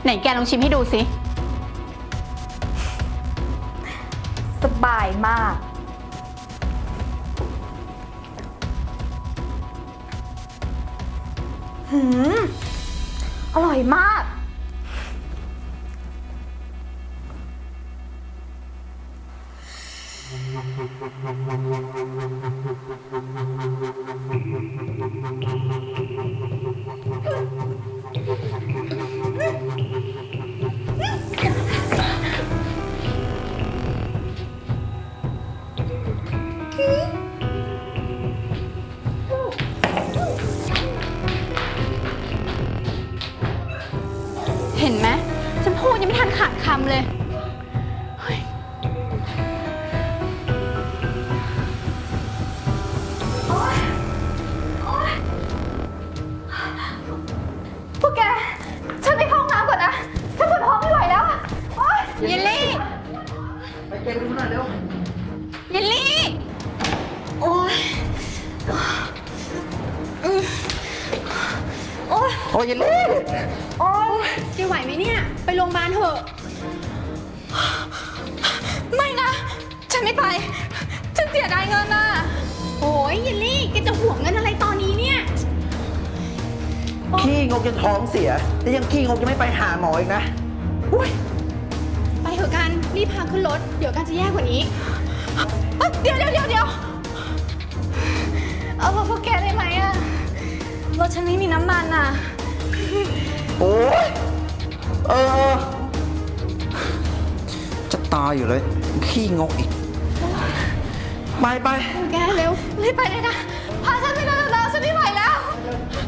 ไหนแกลองชิมให้ดูสิสบายมากอร่อยมากเห็นไหมฉันพูดยังไม่ทันขาดคำเลยพวกแก ฉันไปเข้าห้องน้ำก่อนนะ ฉันปวดท้องไม่ไหวแล้วอะโอ๊ยเยลลี่ไปเก็บดูหน่อยเร็วเยลลี่ โอ๊ยโอ๊ยโอ้ยเยลลี่โอ๊ยแกไหวไหมเนี่ย ไปโรงพยาบาลเถอะไม่นะ ฉันไม่ไป ฉันเสียดายเงินน่ะโอ้ยเยลลี่ แกจะห่วงเงินอะไรตอนนี้เนี่ยขี้งกจนท้องเสียแต่ยังขี้งกจะไม่ไปหาหมออีกนะอุ้ยไปเถอะกัน รีบพาขึ้นรถ เดี๋ยวกันจะแย่กว่านี้เดี๋ยวเอาพวกแกได้ไหมอะรถฉันไม่มีน้ำมันอะโอ้ยเออ จะตายอยู่เลย ขี้งกอีก ไปแกเร็วรีบไปเลยนะ พาฉันไปเร็วๆฉันไม่ไหวแล้ว